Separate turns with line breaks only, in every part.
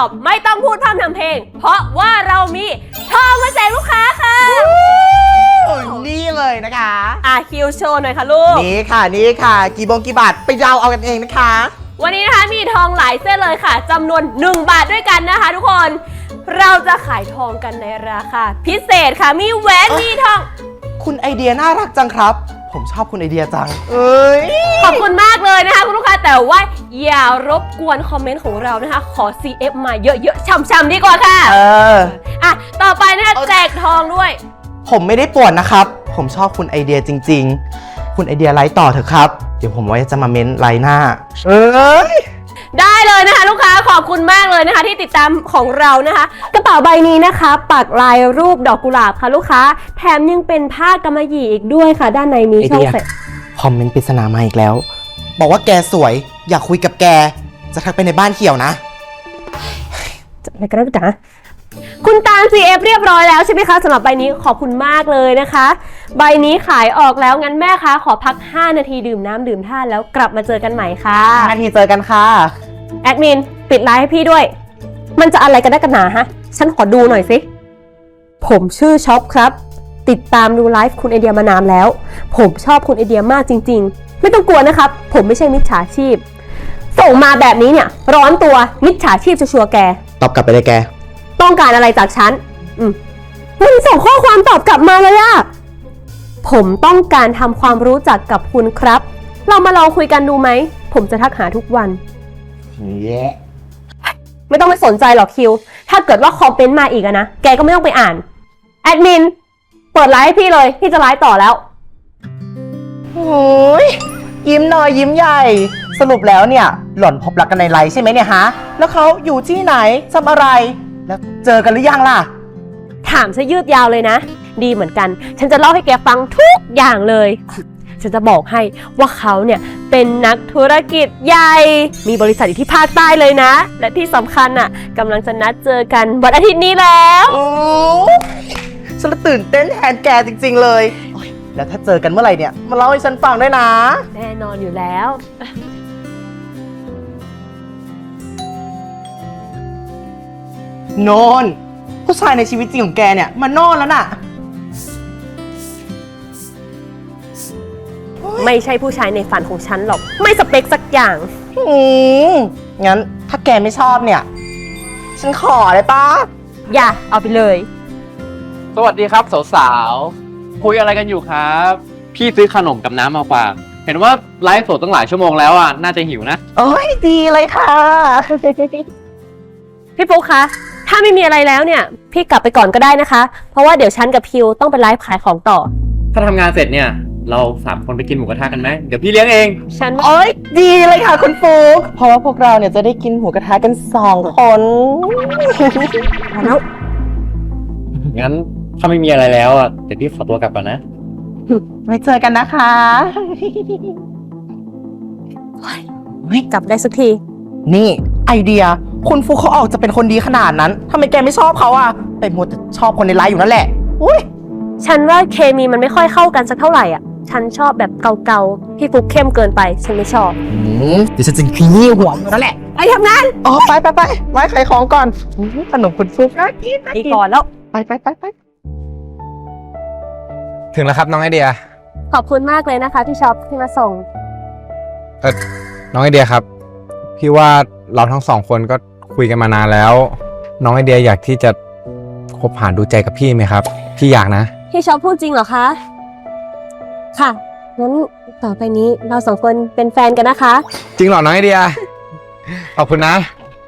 อบไม่ต้องพูดพร่ำทำเพลงเพราะว่าเรามีทองมาแจกลูกค้าค่ะ
นี่เลยนะคะ
คิวโชว์หน่อยค่ะลูก
นี่ค่ะกี่บาทไปเดาเอากันเองนะคะ
วันนี้นะคะมีทองหลายเส้นเลยค่ะจำนวน1 บาทด้วยกันนะคะทุกคนเราจะขายทองกันในราคาพิเศษค่ะมีแหวนมีทอง
คุณไอเดียน่ารักจังครับผมชอบคุณไอเดียจัง
ขอบคุณมากเลยนะคะคุณลูกค้าแต่ว่าอย่ารบกวนคอมเมนต์ของเรานะคะขอ CF มาเยอะๆช่ำๆดีกว่าค่ะต่อไปนะคะแจกทองด้วย
ผมไม่ได้ป่วนนะครับผมชอบคุณไอเดียจริงๆคุณไอเดียไลฟ์ต่อเถอะครับเดี๋ยวผมไว้จะมาเม้นไลฟ์หน้า
ได้เลยนะคะลูกค้าขอบคุณมากเลยนะคะที่ติดตามของเรานะคะกระเป๋าใบนี้นะคะปักลายรูปดอกกุหลาบค่ะลูกค้าแถมยังเป็นผ้ากำมะหยี่อีกด้วยค่ะด้านในมีช่องใส่
คอมเมนต์ปริศนามาอีกแล้วบอกว่าแกสวยอยากคุยกับแกจะทักไปในบ้านเขียวนะ
อะไรกันนะจ๊ะคุณตาล CF เรียบร้อยแล้วใช่ไหมคะสำหรับใบนี้ขอบคุณมากเลยนะคะใบนี้ขายออกแล้วงั้นแม่คะขอพัก5 นาทีดื่มน้ำดื่มท่าแล้วกลับมาเจอกันใหม่ค่ะ
5 นาทีเจอกันค่ะ
แอดมินปิดไลฟ์ให้พี่ด้วยมันจะอะไรกันได้กันหนาฮะฉันขอดูหน่อยสิผมชื่อช็อปครับติดตามดูไลฟ์คุณไอเดียมานานแล้วผมชอบคุณไอเดียมากจริงๆไม่ต้องกลัวนะครับผมไม่ใช่มิจฉาชีพส่งมาแบบนี้เนี่ยร้อนตัวมิจฉาชีพจะชัวร์แก
ตอบกลับไปเลยแก
ต้องการอะไรจากฉันมันส่งข้อความตอบกลับมาเลยอะผมต้องการทำความรู้จักกับคุณครับเรามาลองคุยกันดูไหมผมจะทักหาทุกวันไม่ต้องไปสนใจหรอกคิวถ้าเกิดว่าคอมเมนต์มาอีกนะแกก็ไม่ต้องไปอ่านแอดมินเปิดไลฟ์ให้พี่เลยพี่จะไลฟ์ต่อแล้ว
โอ้ยยิ้มหน่อยยิ้มใหญ่สรุปแล้วเนี่ยหล่อนพบรักกันในไลฟ์ใช่ไหมเนี่ยฮะแล้วเขาอยู่ที่ไหนทำอะไรแล้วเจอกันหรือยังล่ะ
ถามซะยืดยาวเลยนะดีเหมือนกันฉันจะเล่าให้แกฟังทุกอย่างเลยฉันจะบอกให้ว่าเขาเนี่ยเป็นนักธุรกิจใหญ่มีบริษัทอยู่ที่ภาคใต้เลยนะและที่สำคัญอ่ะกำลังจะนัดเจอกันวันอาทิตย์นี้แล้ว
โอ้ฉันตื่นเต้นแทนแกจริงๆเลยแล้วถ้าเจอกันเมื่อไหร่เนี่ยมาเล่าให้ฉันฟังด้วยนะ
แน่นอนอยู่แล้ว
โนนผู้ชายในชีวิตจริงของแกเนี่ยมันโน่นแล้วน่ะ
ไม่ใช่ผู้ชายในฝันของฉันหรอกไม่สเปคสักอย่าง
งั้นถ้าแกไม่ชอบเนี่ยฉันขอเลยป้า
อย่าเอาไปเลย
สวัสดีครับสาวๆคุยอะไรกันอยู่ครับพี่ซื้อขนมกับน้ำมาฝากเห็นว่าไลฟ์สดตั้งหลายชั่วโมงแล้วอ่ะน่าจะหิวนะ
โอ้ยดีเลยค่ะ
พี่ปุ๊กคะถ้าไม่มีอะไรแล้วเนี่ยพี่กลับไปก่อนก็ได้นะคะเพราะว่าเดี๋ยวฉันกับพิวต้องไปไลฟ์ขายของต่อ
ถ้าทำงานเสร็จเนี่ยเรา3 คนไปกินหมูกระทะกันไหมเดี๋ยวพี่เลี้ยงเอง
ฉัน
โอ้ยดีเลยค่ะคุณปุ๊กเพราะว่าพวกเราเนี่ยจะได้กินหมูกระทะกัน2 คน
แล้ว
งั้นถ้าไม่มีอะไรแล้วอ่ะเดี๋ยวพี่ขอตัวกลับก่อนนะ
ไว้เจอกันนะคะ
ไม่กลับได้สักที
นี่ไอเดียคุณฟุกเขาออกจะเป็นคนดีขนาดนั้นทำไมแกไม่ชอบเขาอะแต่มัวแต่ชอบคนในไลฟ์อยู่นั่นแหละอุ้ย
ฉันว่าเคมีมันไม่ค่อยเข้ากันสักเท่าไหร่อ่ะฉันชอบแบบเก่าๆพี่ฟุกเข้มเกินไปฉันไม่ชอบ
เดี๋ยวฉันจะขี้หัวนั่นแหละ
ไปทำงาน
ไปไว้ขายของก่อนขนมคุณฟุกน่ากิน
ไปก่อนแล้ว
ไป
ถึงแล้วครับน้องไอเดีย
ขอบคุณมากเลยนะคะพี่ช็อปที่มาส่ง
น้องไอเดียครับพี่ว่าเราทั้ง2 คนก็คุยกันมานานแล้วน้องไอเดียอยากที่จะคบหาดูใจกับพี่ไหมครับพี่อยากนะ
พี่ช็อปพูดจริงเหรอคะค่ะงั้นต่อไปนี้เรา2 คนเป็นแฟนกันนะคะ
จริงเหรอน้องไอเดีย ขอบคุณนะ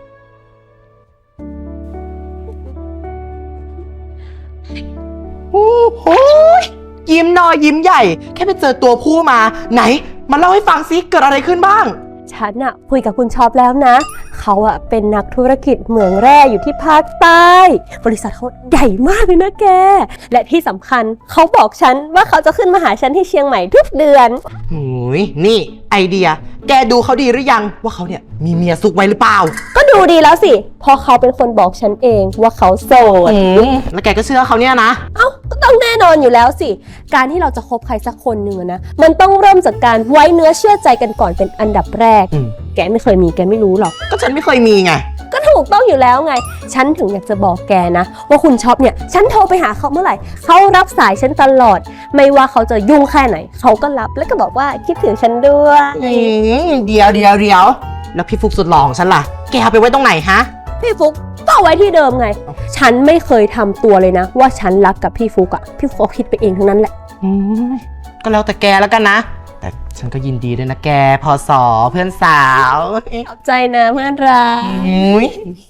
โอ้โหยิ้มน้อยยิ้มใหญ่แค่ไปเจอตัวผู้มาไหนมาเล่าให้ฟังซิเกิดอะไรขึ้นบ้าง
ฉันอะคุยกับคุณช็อปแล้วนะเขาอะเป็นนักธุรกิจเหมืองแร่อยู่ที่ภาคใต้บริษัทเขาใหญ่มากเลยนะแกและที่สำคัญเขาบอกฉันว่าเขาจะขึ้นมาหาฉันที่เชียงใหม่ทุกเดือน
โอ้ยนี่ไอเดียแกดูเขาดีหรือยังว่าเขาเนี่ยมีเมียซุกไว้หรือเปล่า
ก็ดูดีแล้วสิเพราะเขาเป็นคนบอกฉันเองว่าเขาโสด
แล้วแกก็เชื่อเขาเนี่ยนะ
เอ้าก็ต้องแน่นอนอยู่แล้วสิการที่เราจะคบใครสักคนหนึ่งนะมันต้องเริ่มจากการไว้เนื้อเชื่อใจกันก่อนเป็นอันดับแรกแกไม่เคยมีแกไม่รู้หรอก
ก็ฉันไม่เคยมีไง
ก็ถูกต้องอยู่แล้วไง ฉันถึงอยากจะบอกแกนะ ว่าคุณช็อปเนี่ย ฉันโทรไปหาเขาเมื่อไหร่ เขารับสายฉันตลอด ไม่ว่าเขาจะยุ่งแค่ไหน เขาก็รับแล้วก็บอกว่าคิดถึงฉันด้วย
เดี๋ยวแล้วพี่ฟุกสุดหล่อของฉันล่ะ แกเอาไปไว้ตรงไหนฮะ
พี่ฟุกก็เอาไว้ที่เดิมไง ฉันไม่เคยทำตัวเลยนะ ว่าฉันรักกับพี่ฟุกอะพี่ฟุกเขาคิดไปเองทั้งนั้นแหละ
ก็แล้วแต่แกแล้วกันนะ แต่ฉันก็ยินดีด้วยนะแกพอสอเพื่อนสาว
ขอบใจนะเพื่อนรัก
อุ๊ย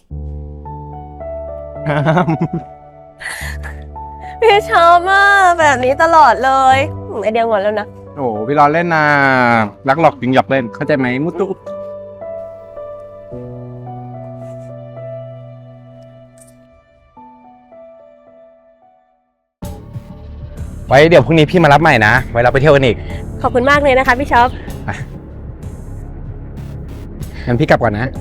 พี่ชอบมากแบบนี้ตลอดเลยไอเดียงอนแล้วนะ
โอ้พี่รอเล่นนะรักหลอกจริงหยอกเล่นเข้าใจไหมมุตุไว้เดี๋ยวพรุ่งนี้พี่มารับใหม่นะไว้เราไปเที่ยวกันอีก
ขอบคุณมากเลยนะคะพี่ชอบ
งั้นพี่กลับก่อนนะ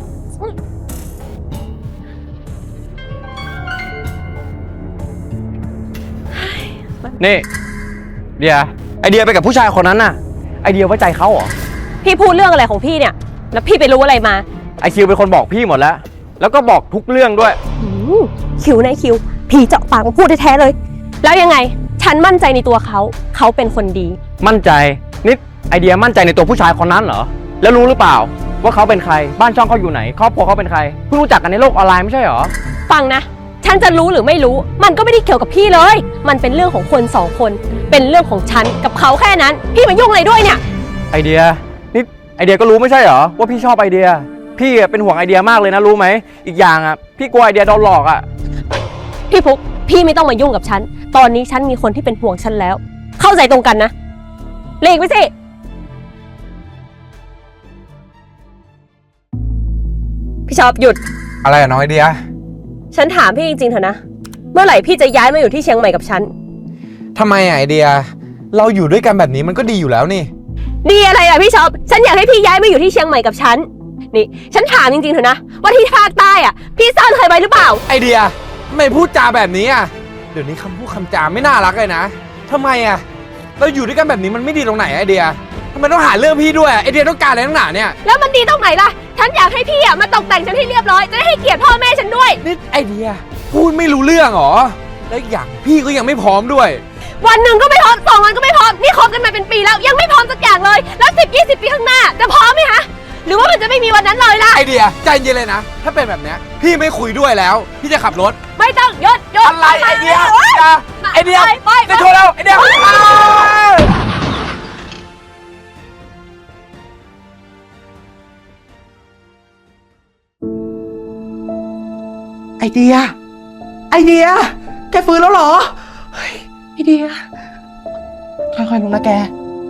นี่เดียไอเดียไปกับผู้ชายคนนั้นน่ะ ไอเดียไว้ใจเขาเหรอ
พี่พูดเรื่องอะไรของพี่เนี่ย แล้วพี่ไปรู้อะไรมา
ไอคิวเป็นคนบอกพี่หมดแล้ว แล้วก็บอกทุกเรื่องด้วย
คิวในคิว พี่เจาะปากมาพูดแท้ๆเลย แล้วยังไง ฉันมั่นใจในตัวเขา เขาเป็นคนดี
มั่นใจนิดไอเดียมั่นใจในตัวผู้ชายคนนั้นเหรอ แล้วรู้หรือเปล่า ว่าเขาเป็นใคร บ้านช่องเขาอยู่ไหน ครอบครัวเขาเป็นใคร เพิ่งรู้จักกันในโลกออนไลน์ไม่ใช่เหรอ
ฟังนะ ฉันจะรู้หรือไม่รู้ มันก็ไม่ได้เกี่ยวกับพี่เลย มันเป็นเรื่องของคนสองคน เป็นเรื่องของฉันกับเขาแค่นั้น พี่มายุ่งอะไรด้วยเนี่ย
ไอเดียนี่ไอเดียก็รู้ไม่ใช่เหรอว่าพี่ชอบไอเดีย พี่เป็นห่วงไอเดียมากเลยนะรู้ไหม อีกอย่างอ่ะพี่กลัวไอเดียโดนหลอกอ่ะ
พี่ฟุกพี่ไม่ต้องมายุ่งกับฉัน ตอนนี้ฉันมีคนที่เป็นห่วงฉันแล้ว เข้าใจตรงกันนะหลีกไปสิ พี่ชอบหยุด
อะไรอะน้องไอเดีย
ฉันถามพี่จริงๆเถอะนะ เมื่อไหร่พี่จะย้ายมาอยู่ที่เชียงใหม่กับฉัน
ทำไมอะไอเดีย เราอยู่ด้วยกันแบบนี้มันก็ดีอยู่แล้วนี่
ดีอะไรอ่ะพี่ชอบฉันอยากให้พี่ย้ายมาอยู่ที่เชียงใหม่กับฉัน นี่ ฉันถามจริงๆเถอะนะ ว่าที่ภาคใต้อ่ะ พี่ซ่อนเคยไปหรือเปล่า
ไอเดียทำไมพูดจาแบบนี้อ่ะ เดี๋ยวนี้คำพูดคำจาไม่น่ารักเลยนะทำไมอ่ะ เราอยู่ด้วยกันแบบนี้มันไม่ดีตรงไหนไอเดียทำไมต้องหาเรื่องพี่ด้วยไอเดียต้องการอะไรตั้งหนาเนี่ย
แล้วมันดีตรงไหนล่ะ ฉันอยากให้พี่อ่ะมาตกแต่งฉันให้เรียบร้อย จะได้ให้เกียรติพ่อแม่ฉันด้วย
นี่ไอเดียพูดไม่รู้เรื่องเหรอ แล้วอีกอย่างพี่ก็ยังไม่พร้อมด้วย
วันหนึ่งก็ไม่พร้อม2 วันก็ไม่พร้อม นี่คบกันมาเป็นปีแล้ว ยังไม่พร้อมสักอย่างเลย แล้ว10-20 ปีข้างหน้าจะพร้อมไหมคะ หรือว่ามันจะไม่มีวันนั้นเลยล่ะ
ไอเดียใจเย็นเลยนะ ถ้าเป็นแบบเนี้ยพี่ไม่คุยด้วยแล้ว พี่จะขับรถ
ไม่ต้องหยศ
อะไรไอเดียอย่าไอเดีย
ไป
จะโทรแล้วไอเดีย
ไอเดีย แกฟื้นแล้วเหรอ เฮ้ย ไอเดีย ค่อยๆลงนะแก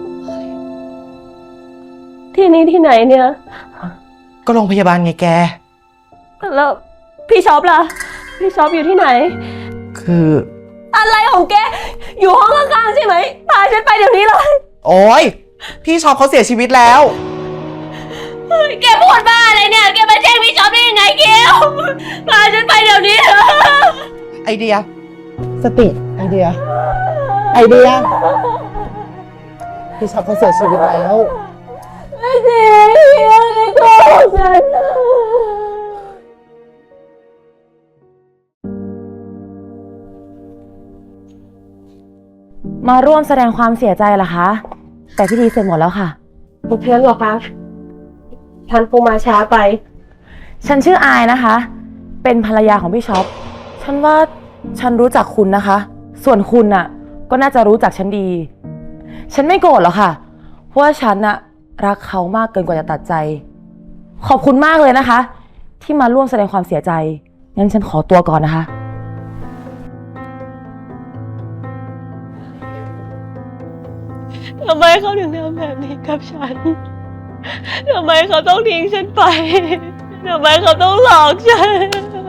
ที่นี่ที่ไหนเนี่ย
ก็โรงพยาบาลไงแก
แล้วพี่ช็อปล่ะ พี่ช็อปอยู่ที่ไหน
คือ
อะไรของแก อยู่ห้องข้างๆใช่ไหมพาฉันไปเดี๋ยวนี้เลย
โอ๊ย พี่ช็อปเขาเสียชีวิตแล้ว
แกพูดบ้าอะไรเนี่ย แกมาแจ้งพี่ช็อปได้ยังไงเกลพาฉันไปเดี๋ยวนี้
ไอเดีย สติ ไอเดีย พี่ช็อปเขาเสียชีวิตแล้ว
ไม่จริงไม่โกหกฉัน
มาร่วมแสดงความเสียใจเหรอคะ แต่พิธีเสร็จหมดแล้วค่ะ
เพื่อนหรอคะฉันคงมาช้าไป
ฉันชื่ออายนะคะ เป็นภรรยาของพี่ช็อป ฉันว่าฉันรู้จักคุณนะคะ ส่วนคุณน่ะ ก็น่าจะรู้จักฉันดี ฉันไม่โกรธหรอกค่ะ เพราะว่าฉันน่ะรักเขามากเกินกว่าจะตัดใจ ขอบคุณมากเลยนะคะ ที่มาร่วมแสดงความเสียใจ งั้นฉันขอตัวก่อนนะคะ
ทำไมเขาถึงทำแบบนี้กับฉัน ทำไมเขาต้องทิ้งฉันไป ทำไมเขาต้องหลอกฉัน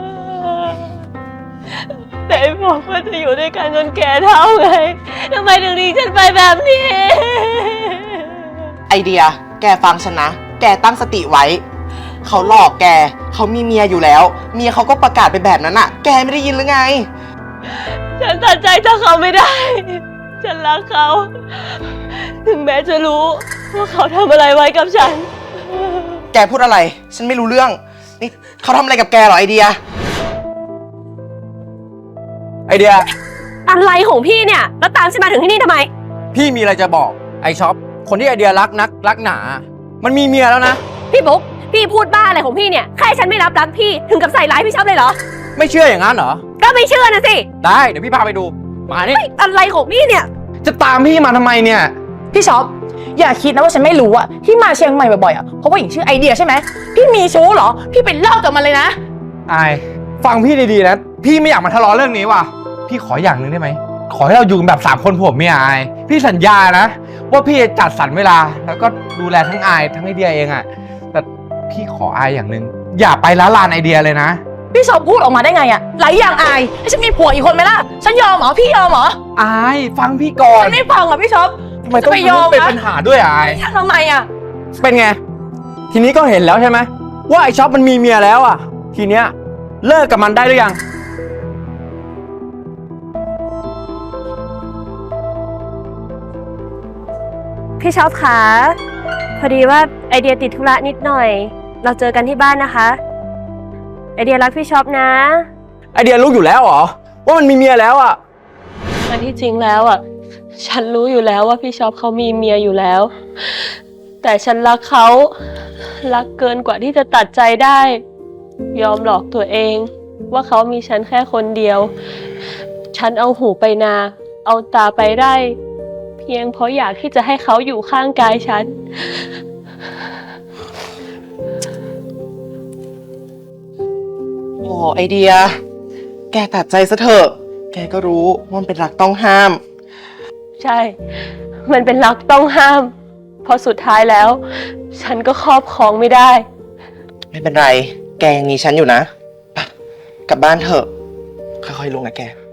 แต่บอกว่าจะอยู่ด้วยกันจนแก่เท่าไง ทำไมถึงทิ้งฉันไปแบบนี้
ไอเดีย แกฟังฉันนะ แกตั้งสติไว้ เขาหลอกแก เขามีเมียอยู่แล้ว เมียเขาก็ประกาศไปแบบนั้นอะแกไม่ได้ยินหรือไง
ฉันตัดใจจากเขาไม่ได้ ฉันรักเขา ถึงแม้จะรู้ว่าเขาทำอะไรไว้กับฉัน
แกพูดอะไร ฉันไม่รู้เรื่องนี่เขาทำอะไรกับแกเหรอไอเดีย
ไอเดีย
อะไรของพี่เนี่ย แล้วตามฉันมาถึงที่นี่ทำไม
พี่มีอะไรจะบอกไอช็อปคนที่ไอเดียรักนักรักหนา มันมีเมียแล้วนะ
พี่บุ๊กพี่พูดบ้าอะไรของพี่เนี่ยแค่ฉันไม่รับรักพี่ถึงกับใส่ร้ายพี่ชอบเลยเหรอ
ไม่เชื่ออย่างนั้นเหรอ
ก็ไม่เชื่อนะสิ
ได้เดี๋ยวพี่พาไปดู มานี่
อะไรของพี่เนี่ย
จะตามพี่มาทำไมเนี่ย
พี่ช็อปอย่าคิดนะว่าฉันไม่รู้อะที่มาเชียงใหม่บ่อยๆอะเพราะว่าหญิงชื่อไอเดียใช่ไหมพี่มีชู้เหรอ พี่ไปเลิกกับมันเลยนะ
อาย ฟังพี่ดีๆนะ พี่ไม่อยากมาทะเลาะเรื่องนี้ว่ะ พี่ขออย่างหนึ่งได้ไหม ขอให้เราอยู่กันแบบ3 คนผัวเมียอาย พี่สัญญานะ ว่าพี่จะจัดสรรเวลา แล้วก็ดูแลทั้งอายทั้งไอเดียเองอะแต่พี่ขออายอย่างหนึ่งอย่าไปละลานไอเดียเลยนะ
พี่ช็อปพูดออกมาได้ไงอะหลายอย่างอายให้ฉันมีผัวอีกคนไหมล่ะฉันยอมเหรอพี่ยอมเหรอ
อายฟังพี่ก่อน
ฉันไม่ฟังอะพี่ช็อป
ทำไมต้อง
จะไปยอม
เป็น
นะ
ปัญหาด้วยอาย
ทำไมอะ
เป็นไง ทีนี้ก็เห็นแล้วใช่ไหมว่าไอช็อปมันมีเมียแล้วอ่ะ ทีเนี้ยเลิกกับมันได้หรือยัง
พี่ชอบคะพอดีว่าไอเดียติดธุระนิดหน่อย เราเจอกันที่บ้านนะคะ ไอเดียรักพี่ชอบนะ
ไอเดียรู้อยู่แล้วเหรอว่ามันมีเมียแล้วอ่ะ
อันที่จริงแล้วอ่ะ ฉันรู้อยู่แล้วว่าพี่ชอบเขามีเมียอยู่แล้ว แต่ฉันรักเขา รักเกินกว่าที่จะตัดใจได้ ยอมหลอกตัวเอง ว่าเขามีฉันแค่คนเดียว ฉันเอาหูไปนา เอาตาไปไร่ เพียงเพราะอยากที่จะให้เขาอยู่ข้างกายฉัน
โอ้ไอเดีย แกตัดใจซะเถอะ แกก็รู้ว่ามันเป็นรักต้องห้าม
ใช่ มันเป็นรักต้องห้าม เพราะสุดท้ายแล้ว ฉันก็ครอบครองไม่ได้
ไม่เป็นไร แกยังมีฉันอยู่นะไปกลับบ้านเถอะ ค่อยๆลงนะแก